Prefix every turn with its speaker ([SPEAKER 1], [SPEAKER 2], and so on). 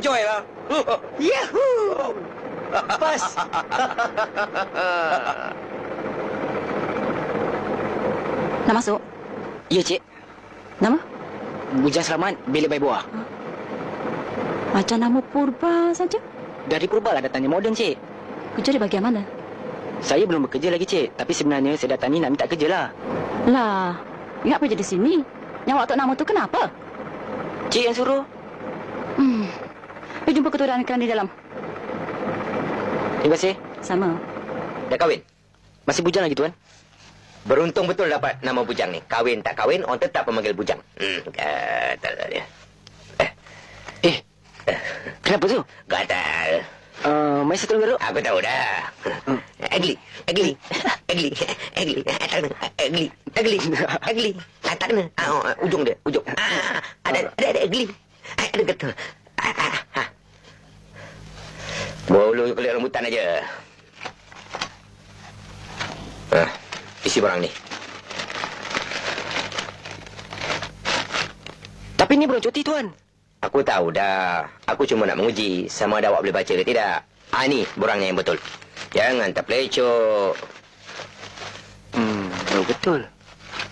[SPEAKER 1] enjoy lah.
[SPEAKER 2] Yahoo! Pas.
[SPEAKER 3] Nak masuk?
[SPEAKER 4] Ya, Cik.
[SPEAKER 3] Nama?
[SPEAKER 4] Bujang Selamat, Bilik Bayi Buah.
[SPEAKER 3] Macam nama Purba saja.
[SPEAKER 4] Dari Purba lah datangnya moden, Cik.
[SPEAKER 3] Kerja di bahagian mana?
[SPEAKER 4] Saya belum bekerja lagi, Cik. Tapi sebenarnya saya datang ni nak minta kerja lah.
[SPEAKER 3] Lah, ingat apa jadi sini? Yang waktu nama tu kenapa?
[SPEAKER 4] Cik yang suruh.
[SPEAKER 3] Pergi jumpa ketua dan kerana di dalam.
[SPEAKER 4] Terima kasih.
[SPEAKER 3] Sama.
[SPEAKER 2] Dah kahwin?
[SPEAKER 4] Masih bujang lagi, Tuan.
[SPEAKER 2] Beruntung betul dapat nama bujang ni. Kahwin tak kahwin, orang tetap memanggil bujang. Gatal dia.
[SPEAKER 4] Kenapa tu?
[SPEAKER 2] Gatal.
[SPEAKER 4] Mai satu garuk.
[SPEAKER 2] Aku tahu dah. Ugly. Tak kena. Ujung dia, ujung. Ada ugly. Ada betul. Bolu kulit rambutan aja. Isi barang ni.
[SPEAKER 4] Tapi ni belum cuti, Tuan.
[SPEAKER 2] Aku tahu dah. Aku cuma nak menguji sama ada awak boleh baca ke tidak. Ni borangnya yang betul. Jangan terpelecok.
[SPEAKER 4] Betul.